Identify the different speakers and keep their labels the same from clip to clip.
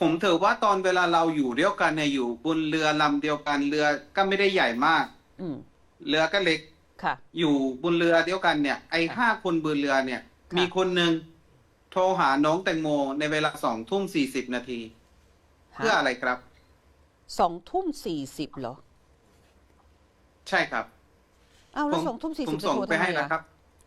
Speaker 1: ผมถือว่าตอนเวลาเราอยู่เดียวกันเนี่ยอยู่บนเรือลำเดียวกันเรือก็ไม่ได้ใหญ่มาก
Speaker 2: อืม
Speaker 1: เรือก็เล็ก
Speaker 2: ค่ะ
Speaker 1: อยู่บนเรือเดียวกันเนี่ยไอ้5 คนบนเรือเนี่ย
Speaker 2: ค่ะ
Speaker 1: มีคนหนึ่งโทรหาน้องแตงโมในเวลา2 ทุ่ม 40 นาทีเพื่ออะไรครับ
Speaker 2: 2 ทุ่ม 40เหรอ
Speaker 1: ใช่ครับ
Speaker 2: เอาแล้ว
Speaker 1: ผม
Speaker 2: 2 ทุ่ม 40จะ
Speaker 1: ส่ง
Speaker 2: โทร
Speaker 1: ไป
Speaker 2: ทำไม
Speaker 1: ให้แล้ว
Speaker 2: อ่ะ
Speaker 1: ครับ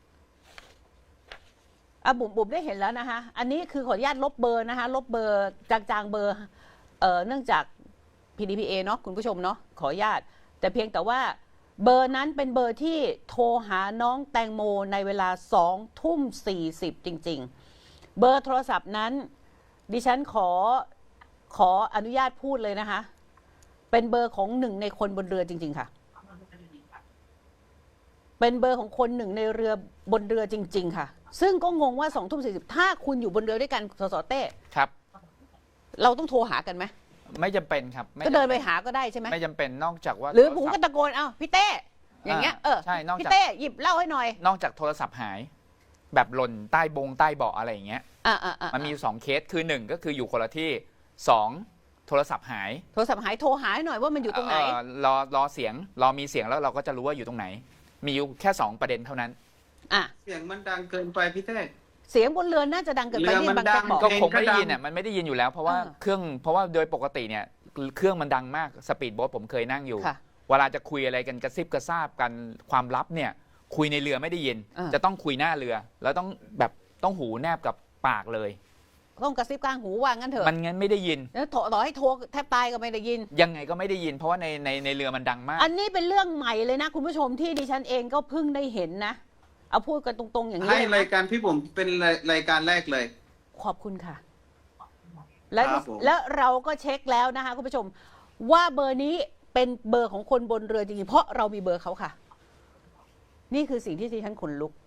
Speaker 2: บุ๋มได้เห็นแล้วนะคะอันนี้คือขออนุญาตลบเบอร์นะคะลบเบอร์จางๆเบอร์เนื่องจาก PDPA เนาะคุณผู้ชมเนาะขออนุญาตแต่เพียงแต่ว่าเบอร์นั้นเป็นเบอร์ที่โทรหาน้องแตงโมในเวลา2 ทุ่ม 40จริงๆเบอร์โทรศัพท์นั้นดิฉันขออนุญาตพูดเลยนะคะเป็นเบอร์ของ1 ในคนบนเรือจริงๆค่ะเป็นเบอร์ของคน1 ในเรือบนเรือจริงๆค่ะซึ่งก็งงว่า2 ทุ่ม 40ถ้าคุณอยู่บนเรือด้วยกันสสเต้
Speaker 3: ครับ
Speaker 2: เราต้องโทรหากันไหม
Speaker 3: ไม่จำเป็นครับม่
Speaker 2: ก็เดินไปหาก็ได้ใช่ไหม
Speaker 3: ไม่จำเป็นนอกจากว่า
Speaker 2: หรือผม
Speaker 3: โท
Speaker 2: ก็
Speaker 3: ศัพท์
Speaker 2: ตะโกนเอาพี่เต้อย่างเงี้ย
Speaker 3: ใช่นอกจาก
Speaker 2: พี่เต้หยิบเหล้าให้หน่อย
Speaker 3: นอกจากโทรศัพท์หาย แบบหล่นใต้ใต้เบาะอะไรอย่างเงี้ยมันมีอยู่2เคสคือ1ก็คืออยู่คนละที่2โทรศัพท์หาย
Speaker 2: โทรศัพท์หายโทรหาให้หน่อยว่ามันอยู่ตรงไหน
Speaker 3: รอเสียงรอมีเสียงแล้วเราก็จะรู้ว่าอยู่ตรงไหน มีอยู่แค่2ประเด็นเท่านั้น
Speaker 1: เสียงมันดังเกินไปพี่เต้
Speaker 2: เสียงบนเรือน่าจะดังเกินไป
Speaker 1: เรือ
Speaker 2: ที่
Speaker 1: มัน
Speaker 2: บางแจ๊ก
Speaker 1: ดัง
Speaker 2: บอก
Speaker 3: ก็
Speaker 1: เพลง
Speaker 3: คงไม่ได้ยิน
Speaker 1: ก็ดัง
Speaker 3: อ่ะมันไม่ได้ยินอยู่แล้วเพราะว่า
Speaker 2: อ่า
Speaker 3: เพราะว่าโดยปกติเนี่ยเครื่องมันดังมากสปีดโบ๊ทผมเคยนั่งอยู่
Speaker 2: ค่ะ
Speaker 3: เวลาจะคุยอะไรกันกระซิบกระซาบกันความลับเนี่ยคุยในเรือไม่ได้ยิน จะต้องคุยหน้าเรือ แล้วต้องหูแนบกับปากเลย
Speaker 2: ต้องกระซิบกลางหูว่างั้นเถอะ
Speaker 3: มันงั้นไม่ได้ยิน
Speaker 2: แล้วต่อให้โทรแทบตายก็ไม่ได้ยิน
Speaker 3: ยังไงก็ไม่ได้ยิน เพราะว่าในเรือมันดังมาก
Speaker 2: อันนี้เป็นเรื่องใหม่เลยนะคุณผู้ชมที่ดิฉันเองก็เพิ่งได้เห็นนะเอาพูดกันตรงๆอย่างนี้
Speaker 1: ให้
Speaker 2: เลย
Speaker 1: ราย
Speaker 2: นะ
Speaker 1: การพี่ผมเป็นรายการแรกเลย
Speaker 2: ขอบคุณค่ะ และ
Speaker 1: ครับผม
Speaker 2: แล้วเราก็เช็คแล้วนะคะคุณผู้ชมว่าเบอร์นี้เป็นเบอร์ของคนบนเรือจริงๆเพราะเรามีเบอร์เขาค่ะ นี่คือสิ่งที่ดิฉันขนลุก